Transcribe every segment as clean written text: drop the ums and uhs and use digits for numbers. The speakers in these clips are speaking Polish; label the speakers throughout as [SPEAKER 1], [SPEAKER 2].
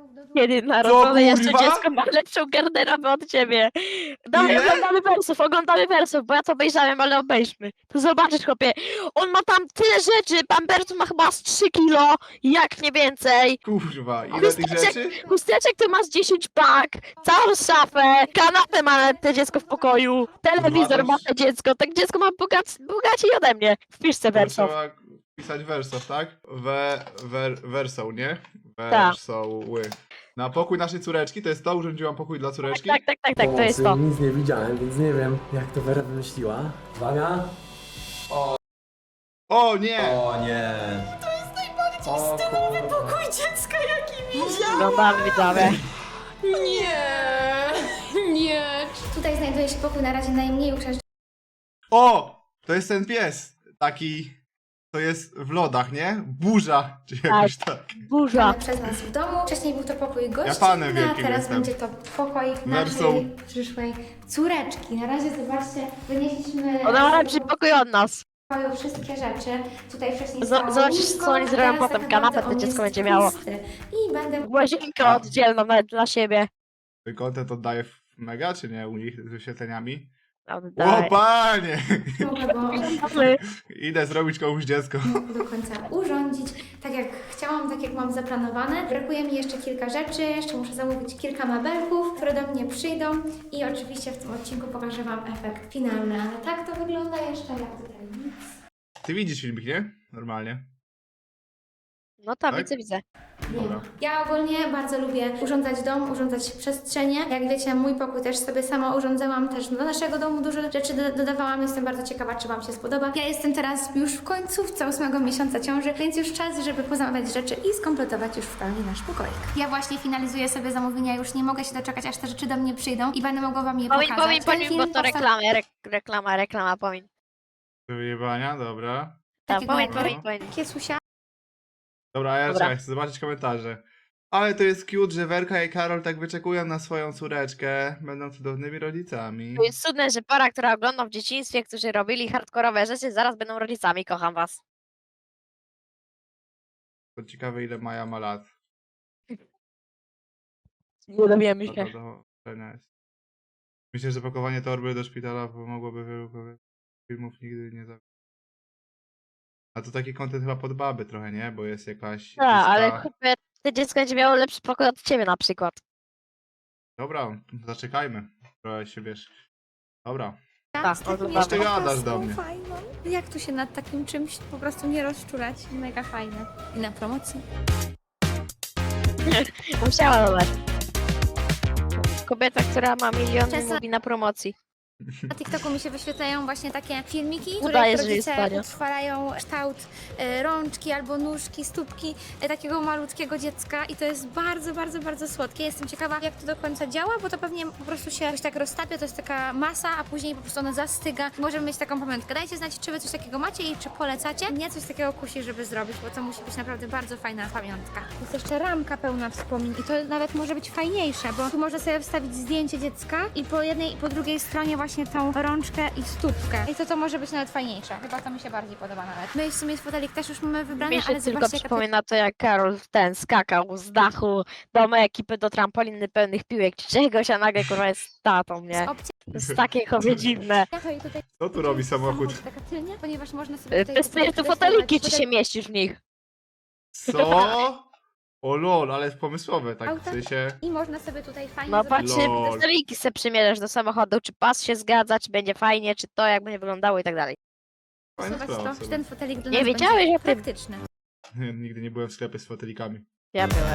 [SPEAKER 1] Kiedy narodzone jeszcze
[SPEAKER 2] kurwa?
[SPEAKER 1] dziecko ma lepszą garderobę od ciebie. Dawaj,
[SPEAKER 2] Ile?
[SPEAKER 1] oglądamy wersów, bo ja to obejrzałem, ale obejrzmy. To zobaczysz, chłopie, on ma tam tyle rzeczy, pampersu ma chyba z 3 kilo, jak nie więcej.
[SPEAKER 2] Kurwa, ile tych rzeczy?
[SPEAKER 1] Chusteczek to masz 10 pak, całą szafę, kanapę ma te dziecko w pokoju, telewizor
[SPEAKER 2] Kurwa,
[SPEAKER 1] ma te dziecko, tak dziecko ma bogaciej ode mnie. Wpisz se
[SPEAKER 2] To
[SPEAKER 1] wersów.
[SPEAKER 2] trzeba pisać wersow, tak? Wersą, nie?
[SPEAKER 1] Tak.
[SPEAKER 2] Wersoły. Na pokój naszej córeczki, to jest to? Urządziłam pokój dla córeczki?
[SPEAKER 1] Tak, to jest to.
[SPEAKER 3] Nic nie widziałem, więc nie wiem, jak to Wera wymyśliła. Uwaga.
[SPEAKER 2] O nie!
[SPEAKER 3] O nie. O kurwa.
[SPEAKER 4] Pokój dziecka, jaki widziałam!
[SPEAKER 1] Oglądamy, widzowie.
[SPEAKER 4] Nie, nie.
[SPEAKER 5] Tutaj znajduje się pokój na razie najmniej uczęszczony
[SPEAKER 2] O! To jest ten pies. Taki... To jest w lodach, nie? Burza, czy jakoś tak.
[SPEAKER 1] Burza.
[SPEAKER 5] przez nas w domu. Wcześniej był to pokój
[SPEAKER 2] Ja
[SPEAKER 5] gościnny,
[SPEAKER 2] panem
[SPEAKER 5] a
[SPEAKER 2] wielkim
[SPEAKER 5] teraz
[SPEAKER 2] jestem.
[SPEAKER 5] będzie to pokoik
[SPEAKER 2] Wersą.
[SPEAKER 5] naszej przyszłej córeczki. Na razie zobaczcie, wynieśliśmy
[SPEAKER 1] Ona ma lepszy pokój od nas.
[SPEAKER 5] pokoju wszystkie rzeczy. Tutaj wcześniej stało
[SPEAKER 1] Zobaczysz,
[SPEAKER 5] łóżko,
[SPEAKER 1] co oni zrobią
[SPEAKER 5] teraz
[SPEAKER 1] potem.
[SPEAKER 5] tak
[SPEAKER 1] Kanapę
[SPEAKER 5] naprawdę
[SPEAKER 1] to
[SPEAKER 5] on
[SPEAKER 1] dziecko
[SPEAKER 5] jest
[SPEAKER 1] będzie miało.
[SPEAKER 5] pusty. I będę
[SPEAKER 1] Łazienkę
[SPEAKER 2] A.
[SPEAKER 1] oddzielną nawet dla siebie.
[SPEAKER 2] Content oddaje w mega, czy nie? U nich z wyświetleniami? O
[SPEAKER 1] Oddaję.
[SPEAKER 2] panie!
[SPEAKER 5] mogła go
[SPEAKER 2] Idę zrobić komuś dziecko.
[SPEAKER 5] do końca urządzić, tak jak chciałam, tak jak mam zaplanowane. Brakuje mi jeszcze kilka rzeczy, jeszcze muszę zamówić kilka mebelków, które do mnie przyjdą i oczywiście w tym odcinku pokażę Wam efekt finalny, ale tak to wygląda jeszcze, jak tutaj nic.
[SPEAKER 2] Ty widzisz filmik, nie? Normalnie.
[SPEAKER 1] No tak,
[SPEAKER 2] Tak?
[SPEAKER 1] widzę.
[SPEAKER 5] Nie.
[SPEAKER 2] Dobra.
[SPEAKER 5] Ja ogólnie bardzo lubię urządzać dom, urządzać przestrzenie. Jak wiecie, mój pokój też sobie sama urządzałam, też do naszego domu dużo rzeczy dodawałam. Jestem bardzo ciekawa, czy Wam się spodoba. Ja jestem teraz już w końcówce 8 miesiąca ciąży, więc już czas, żeby pozamawiać rzeczy i skompletować już w pełni nasz pokoik. Ja właśnie finalizuję sobie zamówienia, już nie mogę się doczekać, aż te rzeczy do mnie przyjdą i będę mogła Wam je pokazać.
[SPEAKER 1] Pomin,
[SPEAKER 5] Ten
[SPEAKER 1] bo
[SPEAKER 5] film
[SPEAKER 1] to
[SPEAKER 5] powstał
[SPEAKER 1] reklama, pomin.
[SPEAKER 2] Do wyjebania, dobra.
[SPEAKER 1] Tak,
[SPEAKER 5] takiego
[SPEAKER 1] pomin,
[SPEAKER 5] jak
[SPEAKER 1] pomin.
[SPEAKER 5] Kiesusia.
[SPEAKER 2] Dobra, a ja
[SPEAKER 1] Dobra.
[SPEAKER 2] czekaj, chcę zobaczyć komentarze. Ale to jest cute, że Werka i Karol tak wyczekują na swoją córeczkę. Będą cudownymi rodzicami.
[SPEAKER 1] To jest cudne, że para, która oglądam w dzieciństwie, którzy robili hardkorowe rzeczy, zaraz będą rodzicami. Kocham was.
[SPEAKER 2] To ciekawe, ile Maja ma lat.
[SPEAKER 1] Nie dowiemy
[SPEAKER 2] No
[SPEAKER 1] się.
[SPEAKER 2] to do ocenia jest. Myślę, że pakowanie torby do szpitala pomogłoby wielu filmów nigdy nie zabić. A to taki content chyba pod baby trochę, nie? Bo jest jakaś...
[SPEAKER 1] Tak, ale
[SPEAKER 2] lista-
[SPEAKER 1] chłopie, te dziecko będzie miało lepszy pokój od ciebie na przykład.
[SPEAKER 2] Dobra, zaczekajmy. Trochę się wiesz. Dobra.
[SPEAKER 1] Tak,
[SPEAKER 5] z takim
[SPEAKER 1] oglądamy.
[SPEAKER 5] jeszcze
[SPEAKER 2] Ty gadasz do
[SPEAKER 5] opaską
[SPEAKER 2] mnie.
[SPEAKER 5] fajną. Jak tu się nad takim czymś po prostu nie rozczulać? Mega fajne. I na promocji.
[SPEAKER 1] Musiała dodać. Kobieta, która ma miliony,
[SPEAKER 5] Czasem-
[SPEAKER 1] mówi na promocji.
[SPEAKER 5] Na TikToku mi się wyświetlają właśnie takie filmiki, w
[SPEAKER 1] Udaje,
[SPEAKER 5] których
[SPEAKER 1] że jest
[SPEAKER 5] rodzice
[SPEAKER 1] tanio.
[SPEAKER 5] utrwalają kształt rączki albo nóżki, stópki takiego malutkiego dziecka i to jest bardzo, bardzo, bardzo słodkie. Jestem ciekawa, jak to do końca działa, bo to pewnie po prostu się jakoś tak roztapia, to jest taka masa, a później po prostu ona zastyga. Możemy mieć taką pamiątkę. Dajcie znać, czy wy coś takiego macie i czy polecacie. Mnie coś takiego kusi, żeby zrobić, bo to musi być naprawdę bardzo fajna pamiątka. Jest jeszcze ramka pełna wspomnień i to nawet może być fajniejsze, bo tu można sobie wstawić zdjęcie dziecka i po jednej i po drugiej stronie właśnie tą rączkę i stópkę. I to może być nawet fajniejsze. Chyba to mi się bardziej podoba nawet. My w sumie fotelik też już mamy wybrany,
[SPEAKER 1] Mi się
[SPEAKER 5] ale
[SPEAKER 1] tylko
[SPEAKER 5] zobaczcie, jaka
[SPEAKER 1] przypomina to, jak Karol skakał z dachu do mojej ekipy do trampoliny pełnych piłek czy czegoś, a nagle kurwa jest tatą, nie?
[SPEAKER 5] opcja.
[SPEAKER 1] To jest takie chobie dziwne.
[SPEAKER 5] To i tutaj
[SPEAKER 2] Co tu robi samochód?
[SPEAKER 5] taka tylnia, ponieważ można sobie tutaj
[SPEAKER 1] Testujesz tu foteliki, czy się mieścisz w nich.
[SPEAKER 2] Co? O lol, ale pomysłowe, tak w
[SPEAKER 5] Auta?
[SPEAKER 2] sensie...
[SPEAKER 5] I można sobie tutaj fajnie
[SPEAKER 1] No
[SPEAKER 5] zobaczyć.
[SPEAKER 1] patrzcie,
[SPEAKER 2] Lol.
[SPEAKER 1] foteliki se przymierzasz do samochodu, czy pas się zgadza, czy będzie fajnie, czy to jak będzie wyglądało i tak dalej.
[SPEAKER 2] Fajna
[SPEAKER 5] Zobacz
[SPEAKER 2] sprawa
[SPEAKER 5] to,
[SPEAKER 2] sobie.
[SPEAKER 5] czy ten fotelik dla
[SPEAKER 1] Nie
[SPEAKER 5] nas
[SPEAKER 1] wiedziałeś
[SPEAKER 5] będzie
[SPEAKER 1] o tym?
[SPEAKER 5] praktyczny.
[SPEAKER 2] Nigdy nie byłem w sklepie z fotelikami.
[SPEAKER 1] Ja byłem.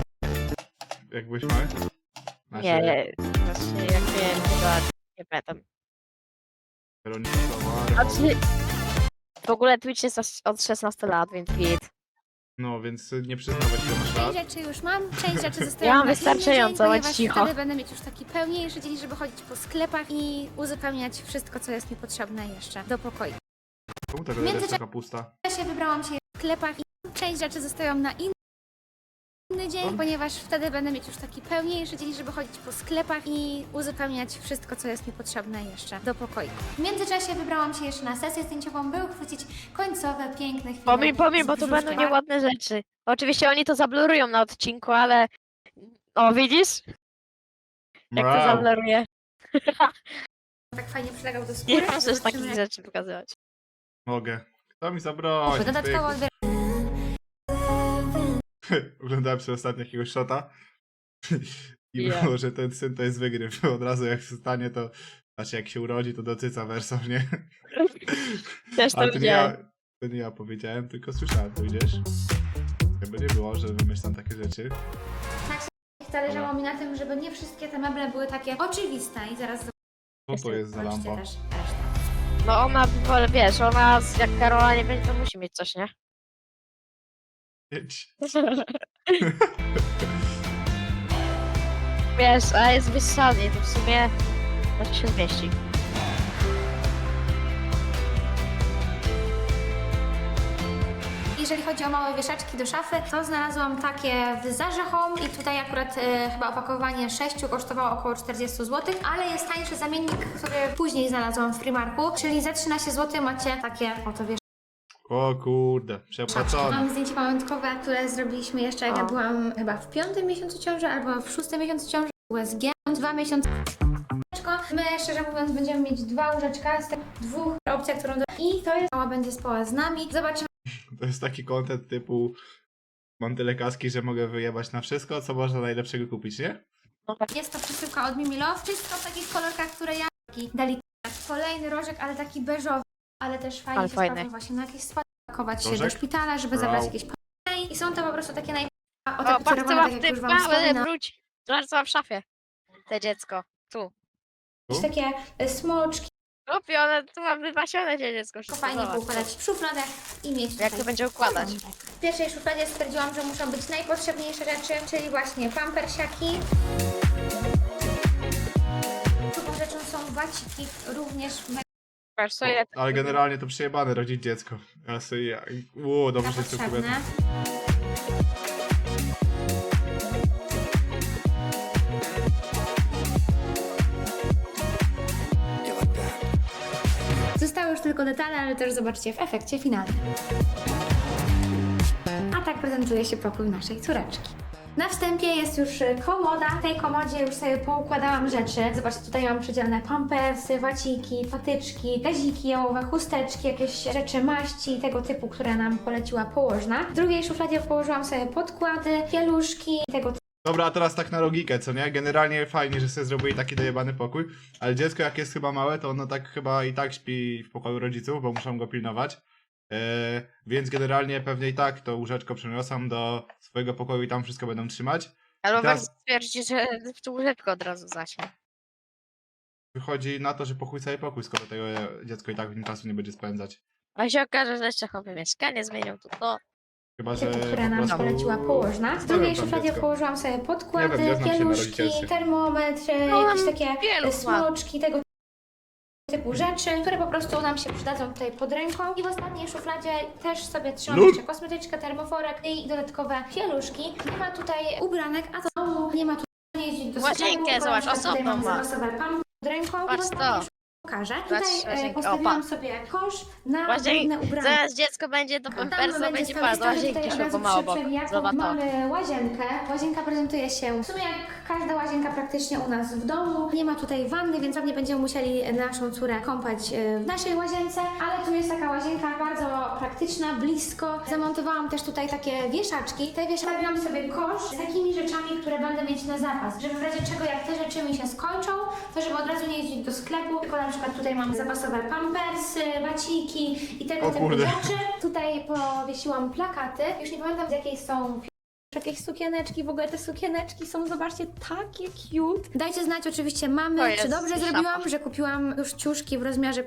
[SPEAKER 2] Jak byłeś mały? Znaczy,
[SPEAKER 1] Nie, właśnie jak miałem chyba, nie pamiętam.
[SPEAKER 2] Weronika Sawara.
[SPEAKER 1] Znaczy, w ogóle Twitch jest od 16 lat, więc git.
[SPEAKER 2] No, więc nie przyznawać, ile masz lat.
[SPEAKER 5] Część rzeczy już mam, część rzeczy zostają
[SPEAKER 1] Ja mam
[SPEAKER 5] na inny
[SPEAKER 1] wystarczająco,
[SPEAKER 5] dzień,
[SPEAKER 1] bądź
[SPEAKER 5] ponieważ
[SPEAKER 1] cicho.
[SPEAKER 5] wtedy będę mieć już taki pełniejszy dzień, żeby chodzić po sklepach i uzupełniać wszystko, co jest mi potrzebne jeszcze do pokoju.
[SPEAKER 2] Czemu ta
[SPEAKER 5] Międzyczasie-
[SPEAKER 2] jest taka pusta?
[SPEAKER 5] W czasie wybrałam się w sklepach i część rzeczy zostają na inny dzień, ponieważ wtedy będę mieć już taki pełniejszy dzień, żeby chodzić po sklepach i uzupełniać wszystko, co jest mi potrzebne jeszcze do pokoju. W międzyczasie wybrałam się jeszcze na sesję zdjęciową, by uchwycić końcowe, piękne chwile.
[SPEAKER 1] Pomin,
[SPEAKER 5] z
[SPEAKER 1] bo tu będą
[SPEAKER 5] brzuszkiem.
[SPEAKER 1] nieładne rzeczy. Oczywiście oni to zablurują na odcinku, ale O, widzisz? Jak to
[SPEAKER 2] Mrał.
[SPEAKER 1] zableruje.
[SPEAKER 5] Tak fajnie przylegał do skóry.
[SPEAKER 1] Nie możesz
[SPEAKER 5] Zobaczymy,
[SPEAKER 1] takich
[SPEAKER 5] jak
[SPEAKER 1] rzeczy pokazywać.
[SPEAKER 2] Mogę. Kto mi zabroni?
[SPEAKER 5] dodatkowo odbiera.
[SPEAKER 2] Oglądałem przez ostatnio jakiegoś shota i
[SPEAKER 1] Ja.
[SPEAKER 2] było, że ten syn to jest wygryw. Od razu jak się stanie, to znaczy jak się urodzi, to docyca wersą, nie?
[SPEAKER 1] Też to
[SPEAKER 2] Ale to nie
[SPEAKER 1] widziałem.
[SPEAKER 2] ja, to nie ja powiedziałem, tylko słyszałem, to widzisz? Jakby nie było, że wymyślam takie rzeczy.
[SPEAKER 5] Zależało mi na tym, żeby nie wszystkie te meble były takie oczywiste i zaraz
[SPEAKER 2] Co to jest za
[SPEAKER 5] zobaczycie
[SPEAKER 2] lampa?
[SPEAKER 5] też resztę.
[SPEAKER 1] No ona, wiesz, ona jak Karola nie będzie, to musi mieć coś, nie?
[SPEAKER 2] Jedź.
[SPEAKER 1] Wiesz, a jest wysadnie, to w sumie znaczy się zmieści.
[SPEAKER 5] Jeżeli chodzi o małe wieszaczki do szafy, to znalazłam takie w Zarze Home i tutaj akurat chyba opakowanie 6 kosztowało około 40 zł, ale jest tańszy zamiennik, który później znalazłam w Primarku, czyli za 13 zł macie takie oto wieszaczki.
[SPEAKER 2] O kurde, przepłacone.
[SPEAKER 5] Mam zdjęcie pamiątkowe, które zrobiliśmy jeszcze jak ja
[SPEAKER 1] O.
[SPEAKER 5] byłam chyba w 5. miesiącu ciąży albo w 6. miesiącu ciąży. USG. 2 miesiące. My szczerze mówiąc będziemy mieć 2 łóżeczka z tych 2 opcji, którą i to jest mała będzie spała z nami. Zobaczymy.
[SPEAKER 2] To jest taki content typu mam tyle kaski, że mogę wyjebać na wszystko, co można najlepszego kupić, nie?
[SPEAKER 5] Jest to przesyłka od Mimi Love. Wszystko w takich kolorkach, które ja dali. Kolejny rożek, ale taki beżowy, ale też fajnie
[SPEAKER 1] Ale
[SPEAKER 5] się
[SPEAKER 1] fajny.
[SPEAKER 5] sprawdza właśnie na jakieś spady, pakować się do
[SPEAKER 2] Rożek?
[SPEAKER 5] szpitala, żeby
[SPEAKER 2] Wow.
[SPEAKER 5] zabrać jakieś i są to po prostu takie
[SPEAKER 1] O, patrz co
[SPEAKER 5] otapicerowane,
[SPEAKER 1] ma
[SPEAKER 5] tak
[SPEAKER 1] w
[SPEAKER 5] jak
[SPEAKER 1] tym
[SPEAKER 5] już wam wspominałam.
[SPEAKER 1] wróć. Zobacz co ma w szafie. Te dziecko. Tu.
[SPEAKER 5] Takie smoczki,
[SPEAKER 1] Kupi, one tu ma wypasione się dziecko.
[SPEAKER 5] to
[SPEAKER 1] wszystko,
[SPEAKER 5] fajnie
[SPEAKER 1] zobacz.
[SPEAKER 5] poukładać w szufladach i mieć
[SPEAKER 1] Jak
[SPEAKER 5] tutaj.
[SPEAKER 1] to będzie układać?
[SPEAKER 5] W pierwszej szufladzie stwierdziłam, że muszą być najpotrzebniejsze rzeczy, czyli właśnie pampersiaki. Drugą rzeczą są waciki, również
[SPEAKER 1] Patrz, co ile...
[SPEAKER 2] Ale generalnie to przejebane rodzić dziecko. Ja sobie, dobrze się
[SPEAKER 5] potrzebne.
[SPEAKER 2] kobieta.
[SPEAKER 5] Zostały już tylko detale, ale też zobaczcie w efekcie finalnym. A tak prezentuje się pokój naszej córeczki. Na wstępie jest już komoda. W tej komodzie już sobie poukładałam rzeczy. Zobaczcie, tutaj mam przydzielone pampersy, waciki, patyczki, gaziki jałowe, chusteczki, jakieś rzeczy maści tego typu, które nam poleciła położna. W drugiej szufladzie położyłam sobie podkłady, pieluszki, tego
[SPEAKER 2] Dobra, a teraz tak na logikę, co nie? Generalnie fajnie, że sobie zrobili taki dojebany pokój, ale dziecko jak jest chyba małe, to ono tak chyba i tak śpi w pokoju rodziców, bo muszą go pilnować. Więc generalnie pewnie i tak to łóżeczko przeniosą do swojego pokoju i tam wszystko będą trzymać.
[SPEAKER 1] Albo
[SPEAKER 2] I teraz-
[SPEAKER 1] weź stwierdzi, że w tu łóżeczko od razu zaśnie.
[SPEAKER 2] Wychodzi na to, że pokój cały pokój, skoro tego dziecko i tak w nim czasu nie będzie spędzać.
[SPEAKER 1] A się okaże, że jeszcze chowy mieszkanie zmienią tu to.
[SPEAKER 2] Chyba, że
[SPEAKER 5] typu, które
[SPEAKER 2] po
[SPEAKER 5] nam
[SPEAKER 2] prostu
[SPEAKER 5] poleciła położna. W
[SPEAKER 2] zostawią
[SPEAKER 5] drugiej
[SPEAKER 2] tam
[SPEAKER 5] szufladzie
[SPEAKER 2] dziecko.
[SPEAKER 5] położyłam sobie podkłady,
[SPEAKER 2] Nie wiem, znam się na
[SPEAKER 5] pieluszki,
[SPEAKER 2] rodzicielstwie.
[SPEAKER 5] termometr,
[SPEAKER 1] No,
[SPEAKER 5] jakieś takie
[SPEAKER 1] wielu
[SPEAKER 5] smoczki, tego typu rzeczy, które po prostu nam się przydadzą tutaj pod ręką. I w ostatniej szufladzie też sobie trzymam
[SPEAKER 2] Lul.
[SPEAKER 5] jeszcze kosmetyczkę, termoforek i dodatkowe pieluszki. Nie ma tutaj ubranek, a to nie ma tutaj jeździć do
[SPEAKER 1] Łazienkę,
[SPEAKER 5] sklepu,
[SPEAKER 1] zobacz,
[SPEAKER 5] ponieważ tutaj
[SPEAKER 1] osobną
[SPEAKER 5] mam
[SPEAKER 1] ma.
[SPEAKER 5] zapasowe pam pod ręką.
[SPEAKER 1] Patrz
[SPEAKER 5] I w ostatniej
[SPEAKER 1] to.
[SPEAKER 5] pokażę.
[SPEAKER 1] Patrz,
[SPEAKER 5] Tutaj
[SPEAKER 1] łazienkę,
[SPEAKER 5] postawiłam
[SPEAKER 1] opa.
[SPEAKER 5] sobie kosz na
[SPEAKER 1] Łazienkę.
[SPEAKER 5] brudne ubrania.
[SPEAKER 1] Zaraz dziecko będzie do pampersa, będzie padło.
[SPEAKER 5] tutaj
[SPEAKER 1] Łazienki
[SPEAKER 5] od
[SPEAKER 1] szło
[SPEAKER 5] razu
[SPEAKER 1] po mało
[SPEAKER 5] przy
[SPEAKER 1] bok.
[SPEAKER 5] przewijaku
[SPEAKER 1] Zobacz to.
[SPEAKER 5] mamy łazienkę. Łazienka prezentuje się w sumie jak każda łazienka praktycznie u nas w domu. Nie ma tutaj wanny, więc pewnie będziemy musieli naszą córę kąpać w naszej łazience, ale tu jest taka łazienka bardzo praktyczna, blisko. Zamontowałam też tutaj takie wieszaczki. Te wieszaczki sobie kosz z takimi rzeczami, które będę mieć na zapas, żeby w razie czego jak te rzeczy mi się skończą, to żeby od razu nie jeździć do sklepu, tylko na przykład tutaj mam zapasowe pampersy, waciki i tego
[SPEAKER 2] O
[SPEAKER 5] typu
[SPEAKER 2] kurde.
[SPEAKER 5] rzeczy. Tutaj powiesiłam plakaty. Już nie pamiętam z jakiej są jakieś sukieneczki. W ogóle te sukieneczki są, zobaczcie, takie cute. Dajcie znać oczywiście
[SPEAKER 1] To
[SPEAKER 5] mamy,
[SPEAKER 1] jest
[SPEAKER 5] czy dobrze
[SPEAKER 1] szafa.
[SPEAKER 5] zrobiłam, że kupiłam już ciuszki w rozmiarze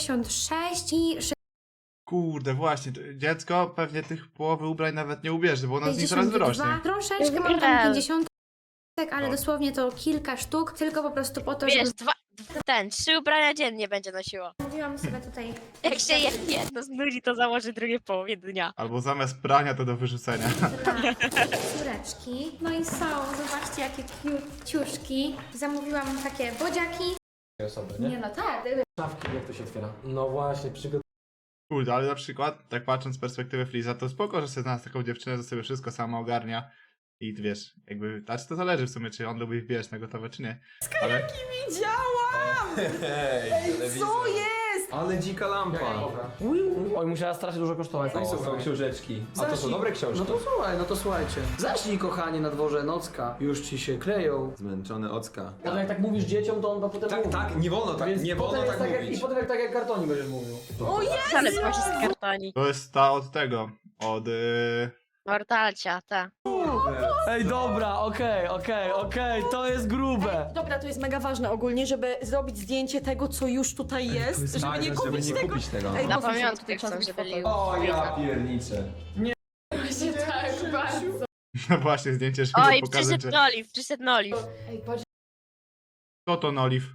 [SPEAKER 5] 56 i
[SPEAKER 2] Kurde, właśnie, to dziecko pewnie tych połowy ubrań nawet nie ubierze, bo ono z nich zaraz
[SPEAKER 5] 62.
[SPEAKER 2] wyrośnie.
[SPEAKER 5] Troszeczkę mam tam
[SPEAKER 1] Real.
[SPEAKER 5] 50, ale
[SPEAKER 2] Tak.
[SPEAKER 5] dosłownie to kilka sztuk, tylko po prostu po to, żeby
[SPEAKER 1] Wiesz, trzy ubrania dziennie będzie nosiło.
[SPEAKER 5] mówiłam sobie tutaj.
[SPEAKER 1] Jak się jedno znudzi, to założy drugie w połowie dnia.
[SPEAKER 2] Albo zamiast prania to do wyrzucenia.
[SPEAKER 5] Dla córeczki. No i są, zobaczcie jakie cute ciuszki. Zamówiłam takie bodziaki.
[SPEAKER 3] Osoby,
[SPEAKER 5] Nie no tak,
[SPEAKER 3] Szafki, jak to się otwiera? No właśnie,
[SPEAKER 2] Kurde, ale na przykład, tak patrząc z perspektywy Fliza, to spoko, że sobie znalazł taką dziewczynę, że sobie wszystko sama ogarnia I wiesz, jakby, znaczy to zależy w sumie, czy on lubi, wiesz, na gotowe, czy nie. Ale
[SPEAKER 4] Widziałam!
[SPEAKER 6] Ej,
[SPEAKER 4] Co jest?
[SPEAKER 6] Ale dzika lampa.
[SPEAKER 3] Oj, musiała strasznie dużo kosztować.
[SPEAKER 6] No i są książeczki. A to są dobre książki.
[SPEAKER 3] No to słuchaj, no to słuchajcie. Zacznij, kochanie, na dworze nocka. Już ci się kleją.
[SPEAKER 6] Zmęczony ocka.
[SPEAKER 3] Ale jak tak mówisz dzieciom, to on potem
[SPEAKER 6] Tak,
[SPEAKER 3] mówi.
[SPEAKER 6] tak, nie wolno tak,
[SPEAKER 3] Więc
[SPEAKER 6] nie
[SPEAKER 3] potem
[SPEAKER 6] wolno
[SPEAKER 3] jest
[SPEAKER 6] tak
[SPEAKER 3] jak,
[SPEAKER 6] mówić.
[SPEAKER 3] I potem jak tak jak kartonie będziesz mówił.
[SPEAKER 4] O jest!
[SPEAKER 1] Ale właśnie z kartoni.
[SPEAKER 2] to jest ta od tego, od...
[SPEAKER 1] Mortalcia, ta.
[SPEAKER 3] Ej, dobra, okej, to jest grube.
[SPEAKER 4] Dobra, to jest mega ważne ogólnie, żeby zrobić zdjęcie tego, co już tutaj jest, żeby nie kupić
[SPEAKER 6] żeby nie
[SPEAKER 4] tego.
[SPEAKER 6] kupić tego.
[SPEAKER 4] Ej,
[SPEAKER 1] Na
[SPEAKER 4] mocno się
[SPEAKER 1] pamiątkę
[SPEAKER 4] tutaj
[SPEAKER 1] chcą,
[SPEAKER 4] trzeba
[SPEAKER 1] żeby
[SPEAKER 4] zrobić
[SPEAKER 1] byli.
[SPEAKER 6] O, ja pierniczę.
[SPEAKER 4] Właśnie tak, bardzo.
[SPEAKER 2] No właśnie, zdjęcie, żeby
[SPEAKER 1] Oj,
[SPEAKER 2] pokazać,
[SPEAKER 1] przyszedł
[SPEAKER 2] że...
[SPEAKER 1] Noliv, przyszedł Noliv.
[SPEAKER 4] Ej, patrz,
[SPEAKER 2] Co to Noliv?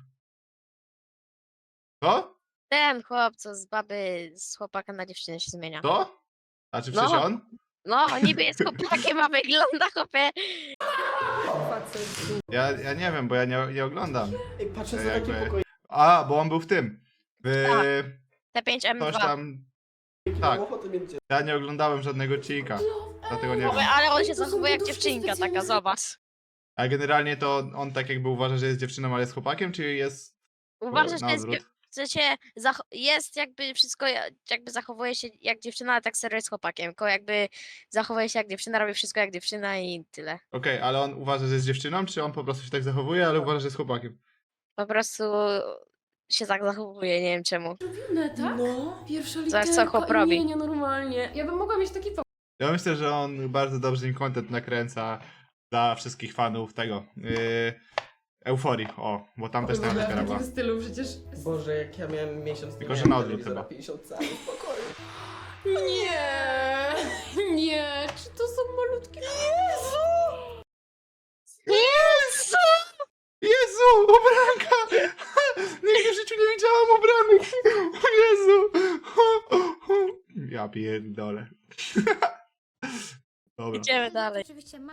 [SPEAKER 2] Co?
[SPEAKER 1] Ten chłop, co z baby, z chłopaka na dziewczynę się zmienia.
[SPEAKER 2] To? A czy
[SPEAKER 1] No.
[SPEAKER 2] przecież on?
[SPEAKER 1] No, niby jest chłopakiem, a wygląda chłopie.
[SPEAKER 4] facet.
[SPEAKER 2] Ja nie wiem, bo ja nie oglądam.
[SPEAKER 3] Ej, patrzę
[SPEAKER 2] To
[SPEAKER 3] za takim
[SPEAKER 2] jakby-
[SPEAKER 3] pokojem.
[SPEAKER 2] A, bo on był w tym. W...
[SPEAKER 1] Tak. T5M2.
[SPEAKER 2] Coś tam... Tak,
[SPEAKER 3] Ochotę mieć dziecko.
[SPEAKER 2] ja nie oglądałem żadnego odcinka. Dlatego nie wiem.
[SPEAKER 1] Ale on się
[SPEAKER 4] To są
[SPEAKER 1] zachowuje jak
[SPEAKER 4] lodówki
[SPEAKER 1] dziewczynka taka,
[SPEAKER 4] specjalne.
[SPEAKER 1] zobacz.
[SPEAKER 2] A generalnie to on tak jakby uważa, że jest dziewczyną, ale jest chłopakiem, czy jest
[SPEAKER 1] Uważa,
[SPEAKER 2] na
[SPEAKER 1] że jest,
[SPEAKER 2] odwrót?
[SPEAKER 1] w sensie jest jakby wszystko, jakby zachowuje się jak dziewczyna, ale tak serio jest chłopakiem. Tylko jakby zachowuje się jak dziewczyna, robi wszystko jak dziewczyna i tyle.
[SPEAKER 2] Okej, ale on uważa, że jest dziewczyną, czy on po prostu się tak zachowuje, ale uważa, że jest chłopakiem?
[SPEAKER 1] Po prostu się tak zachowuje, nie wiem czemu.
[SPEAKER 4] Inne, tak?
[SPEAKER 3] No.
[SPEAKER 4] Pierwsza
[SPEAKER 1] Zobacz,
[SPEAKER 4] literka,
[SPEAKER 1] co chłop robi.
[SPEAKER 4] Nie, nienormalnie. Ja bym mogła mieć taki
[SPEAKER 2] Ja myślę, że on bardzo dobrze im content nakręca dla wszystkich fanów tego. Euforii, o, bo tam też taka
[SPEAKER 4] w
[SPEAKER 2] była.
[SPEAKER 4] takim stylu przecież.
[SPEAKER 3] Boże, jak ja miałem miesiąc,
[SPEAKER 2] Tylko,
[SPEAKER 3] nie
[SPEAKER 2] że na
[SPEAKER 3] miałem
[SPEAKER 2] odwrót
[SPEAKER 3] telewizora,
[SPEAKER 2] chyba.
[SPEAKER 3] 50 cali w pokoju.
[SPEAKER 4] Nie, nie, czy to są malutkie... Jezu!
[SPEAKER 1] Jezu!
[SPEAKER 2] Jezu, ubranka! Nigdy w życiu nie widziałam ubranych! O Jezu! Ja pierdolę. Dobra.
[SPEAKER 1] Idziemy dalej.
[SPEAKER 5] Oczywiście